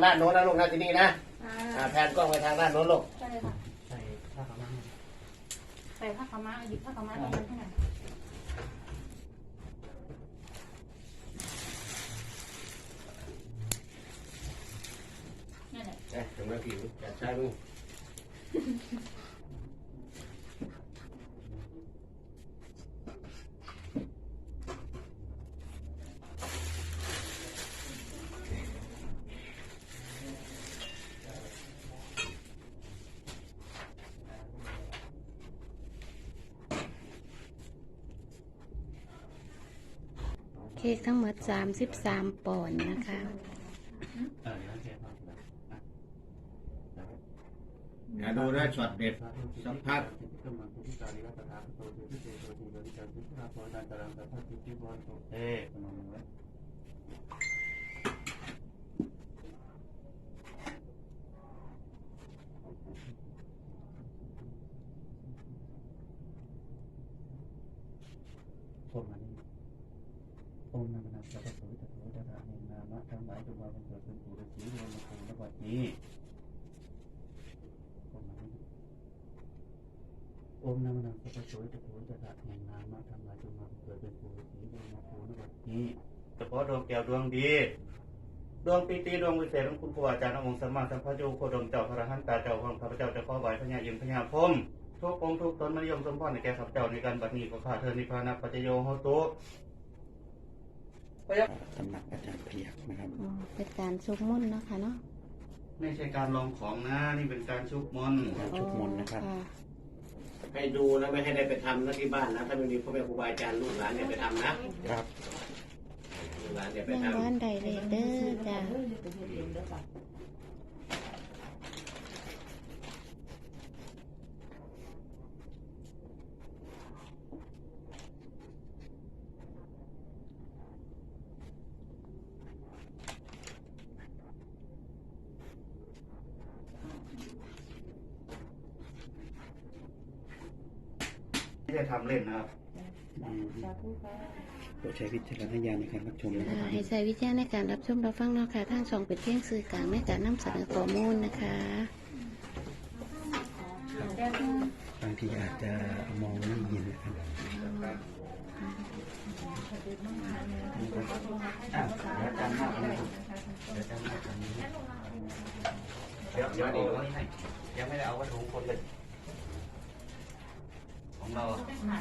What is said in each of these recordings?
ด้านโน้นนะลูกนะที่นี่นะแผนกล้องไปทางด้านโน้นลูกใช่เลยค่ะใส่ผ้าขาวม้าใส่ผ้าขาวม้าหยิบผ้าขาวม้าตรงนั้นให้หน่อยนี่นแหละถึงแล้วผิวจัดใช้มึงเค้กทั้งหมด33 ปอนด์นะคะดูนะช็อตเด็ดสัมผัสคนมานี่องค์นามนาสัพพะโสตโถตถาเนนามะทั้งหลายจงมาบังเกิดเป็นปุถุชนในมคณวัดนี้คนมานี่องค์นามนาสัพพะโสตโถตถาเนนามะทั้งหลายจงมาบังเกิดเป็นปุถุชนในมคณวัดนี้เฉพาะดวงแก้วดวงดีดวงปีติดวงวิเศษของคุณครูอาจารย์องค์สมมาสัมภโยโคดมเจ้าพระหันตาเจ้าของข้าพเจ้าจะขอไหว้พญายิมพญาพรหมทุกองค์ทุกตนมนิยมสมพรในแก่ข้าพเจ้าในการบัดนี้ขอข้าเธอนิพพานะปัจจโยโหตุตำหนักอาจารย์เพียกนะครับเป็นการชุบมนต์เนาะค่ะเนาะไม่ใช่การลองของนะนี่เป็นการชุบมนต์ชุบมนต์นะครับให้ดูนะไม่ให้ได้ไปทำนะที่บ้านนะถ้าไม่มีพ่อแม่ครูบาอาจารย์ลูกหลานเนี่ยไปทำนะครับลูกหลานเนี่ยไปทำบ้านใดเลยเด้อจ้ะไม่ได้ทำเล่นนะครับโปรดใช้วิจารณญาณในการรับชมนะครับให้ใช้วิจารณ์ในการรับชมรับฟังเนาะค่ะทางช่องเป็นเพียงสื่อกลางในการนำเสนอข้อมูลนะคะบางทีอาจจะมองไม่ยินนะครับเดี๋ยวยังไม่ได้เอาวัตถุมงคลเลยของเรา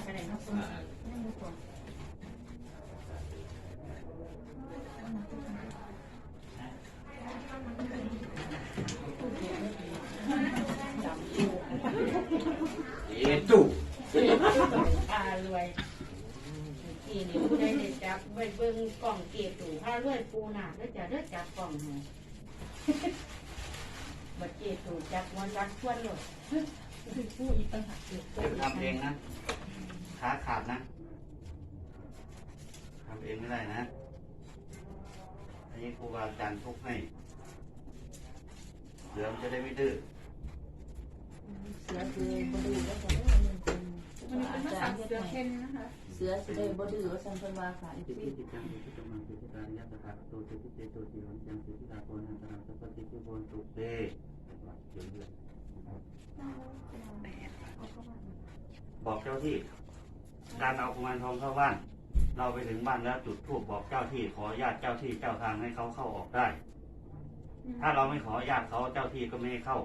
จู่พารวยกี่นิ้วได้เด็ดจับเบิ้งกล่องเก็บตู่พารวยปูหนักแล้วจะเลือกจับกล่องให้บัดเก็บตู่จับวันรักชวนเลยผู้อีกต่างหากทำเองนะขาขาดนะทำเองไม่ได้นะอันนี้ครูบาอาจารย์ทุกให้เสือมันจะได้ไม่ดื้อเสือคือบดื้อแล้วก็มันเป็นภาษาเสือเพ่นนะคะเสือสิได้บดื้อว่าสัมพันธ์ว่าค่ะจิตจิตจังจิตจังมังจิตการยัตถาโตจิตเจโตจิหลังจังจิตตาโกนันตนาสัพพติจุโบนตุเตบอกเจ้าที่การเอากุมารทองเข้าบ้านเราไปถึงบ้านแล้วจุดธูปบอกเจ้าที่ขออนุญาตเจ้าที่เจ้าทางให้เขาเข้าออกได้ถ้าเราไม่ขออนุญาตเขาเจ้าที่ก็ไม่ให้เข้า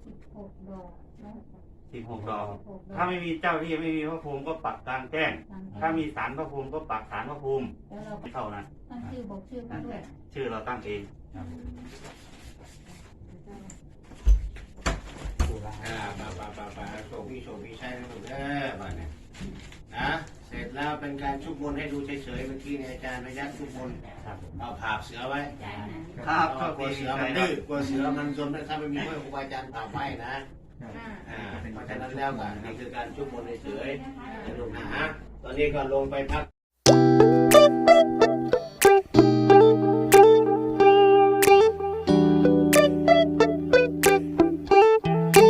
16 ดอกถ้าไม่มีเจ้าที่ไม่มีพระภูมิก็ปักกลางแจ้งถ้ามีศาลพระภูมิก็ปักศาลพระภูมิไม่เข้านะชื่อบอกชื่อมาด้วยชื่อเราตั้งเองโชคพี่ใช่ไหมถูกบ้านเนี่ยนะเสร็จแล้วเป็นการชุบมนให้ดูเฉยๆเมื่อกี้เนี่ยอาจารย์พยัญชนะชุบมนเอาผาบเสือไว้ครับกลัวเสือมันดื้อกลัวเสือมันจนถ้าไม่มีพ่อครูอาจารย์ผาบไว้นะเพราะฉะนั้นแล้วก็นี่คือการชุบมนเฉยๆนะลูกนะตอนนี้ก็ลงไปพัก